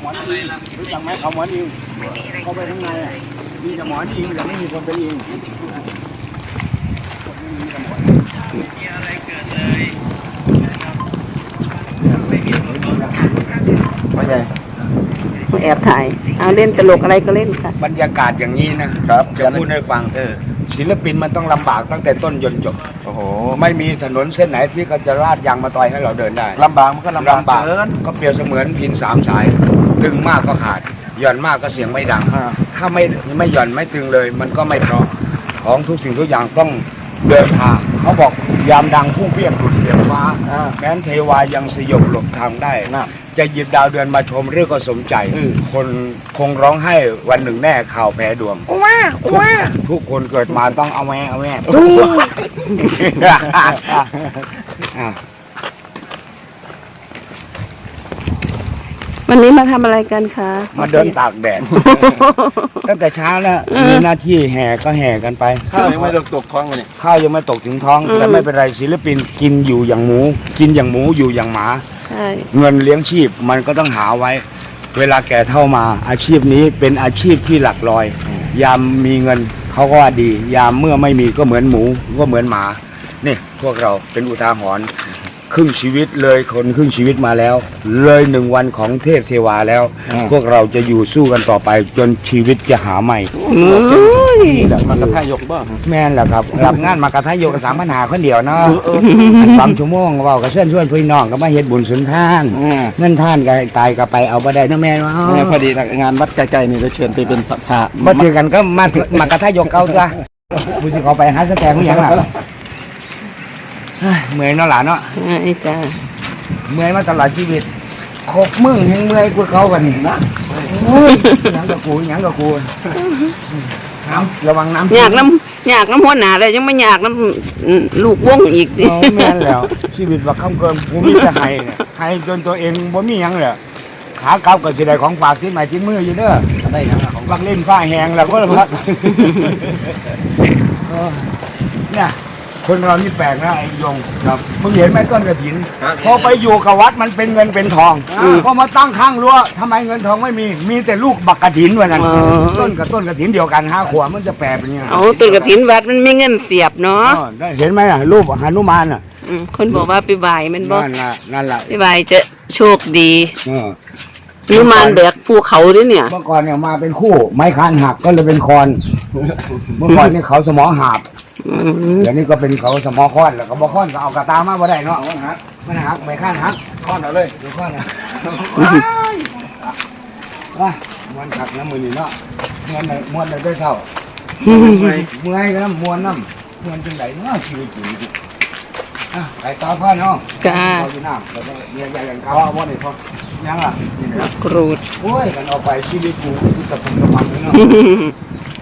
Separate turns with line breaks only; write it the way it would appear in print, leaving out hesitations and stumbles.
อนอิงรู้จักไหมเขาหมอนอิงเข้าไปข้างในมีแต่หมอนอิงแต่ไม่มีคนเป็นอิงไม่มีอะไรเกิดเลยไม่ใช่
แอบถ่ายเอาเล่นตลกอะไรก็เล่นค่ะ
บรรยากาศอย่างนี้นะครับจะพูดให้ฟังศิลปินมันต้องลำบากตั้งแต่ต้นจนจบ
โอ้โห
ไม่มีถนนเส้นไหนที่เขาจะลาดยางมาตอยให้เราเดินได้
ลำบากมันก็ลำบากเกิน
ก็เปรียบเสมือนพินสามสายตึงมากก็ขาดหย่อนมากก็เสียงไม่ดัง ถ้าไม่หย่อนไม่ตึงเลย มันก็ไม่เพราะของทุกสิ่งทุกอย่างต้องเดินทางเขาบอกยามดังพุ่งเพียงหลุดเสียงฟ้าแม้นเทวายังสยบหลบทางได้จะหยิบดาวเดือนมาชมเรื่องก็สมใจคนคงร้องไห้วันหนึ่งแน่ข่าวแพ้ดวงว่าทุกคนเกิดมาต้องเอาแม่ทุก
วันนี้มาทำอะไรกันคะ
มาเดินตากแดด ตั้งแต่เช้าแล้วมีหน้าที่แห่ก็แห่กันไป
ข้าวยังไม่ตกท้องเลย
ข้าวยังไม่ตกถึงท้องแต่ไม่เป็นไรศิลปินกินอยู่อย่างหมู กินอย่างหมูอยู่อย่างหมา
ใช่
เงินเลี้ยงชีพมันก็ต้องหาไว้ เวลาแก่เท่ามาอาชีพนี้เป็นอาชีพที่หลักลอย ยามมีเงินเขาก็ว่าดี ยามเมื่อไม่มีก็เหมือนหมูก็เหมือนหมานี่พวกเราเป็นอุทาหรณ์ครึ่งชีวิตเลยคนครึ่งชีวิตมาแล้ว เลย1 วันของเทพเทวาแล้ว พวกเราจะอยู่สู้กันต่อไปจนชีวิตจะหาใหม่
นี่แหละมันกระทายกบ้าง
แม่นแหละครับรับงานมากระทะโยกกับ3,500คนเดียวเนาะ3 ชั่วโมงเว้ากับเชิญชวนพี่น้องก็มาเฮ็ดบุญสุนทานเงินท่านก็ตายก็ไปเอาบ่ได้นะแม่ว่า
พอดีงานวัดไกลๆนี่จะเชิญไปเป็นพระ
บ่ถือกันก็มากระทะโยกเก่าซะผู้สิขอไปหาสแตงหรือยังล่ะเมื่อยเนาะหลานเนาะ
ไอ้จ้า
เมื่อยมาตลอดชีวิตครบมึงแห่งเมื่อยกว่าเขากันนี่นะโอ้ยหยังกับกูน้ำระวังน้ำ
อยากน้ำหัวหนาเลยยังไม่อยากน้ำลูกวงอีกดิ
โอ้แม่นแล้วชีวิตว่าคำเกินกูมีแต่ให้จนตัวเองบ่มีหยังเลยขากลับก็สิได้ของฝากที่ใหม่ที่มืออยู่เด้อได้หยังของลักเล่นฟ้าแหงแล้วก็พักเนี่ยคนเรานี่แปลกนะไอ้ยงครับมึงเห็นไหมต้นกระถินพอไปอยู่กับวัดมันเป็นเงินเป็นทองพอมาตั้งข้างรั้วทำไมเงินทองไม่มีแต่ลูกบักกระถินวะนั่นต้นกับต้นกระถินเดียวกัน5 ขวบมันจะแปลเป็นยังไง
เอาตุนกระถินวัดมันไม่เงินเสียบเนาะ
ได้เห็นไหมอ่ะรูปหนุมานอ่ะ
คนบอกว่าไปบ่ายมันบอก
นั่นแหละ
ไปบ่ายจะโชคดีหนุมานแบกภูเขาด้วยเนี่ย
เมื่อก่อนเนี่ยมาเป็นคู่ไม้คานหักก็เลยเป็นคอนเมื่อก่อนนี่เขาสมอหาบเดี๋ยวนี้ก็เป็นเขาสมอค้อนแล้วก็บอค้อนก็เอากระตามาบ่ได้เนาะมันหักไม้คานหัก
ข้อนเอาเลย
ดูค้อนนะว่าม้วนขักน้ำมือนี่เนาะม้วนเลยได้เศร้าเมื่อยก็น้ำม้วนจังไหนเนาะชีวิตจริงไปต่อพ่อเนาะ
จ้า
เราอยู่น้ำเราต้องเรียนอย่างเขาเอาบ่ได้พ่อยังล่ะนี่นะ
กรูด
โอ้ยกันเอาไปชีวิตกูที่จะเป็นกำลังเลยเนาะ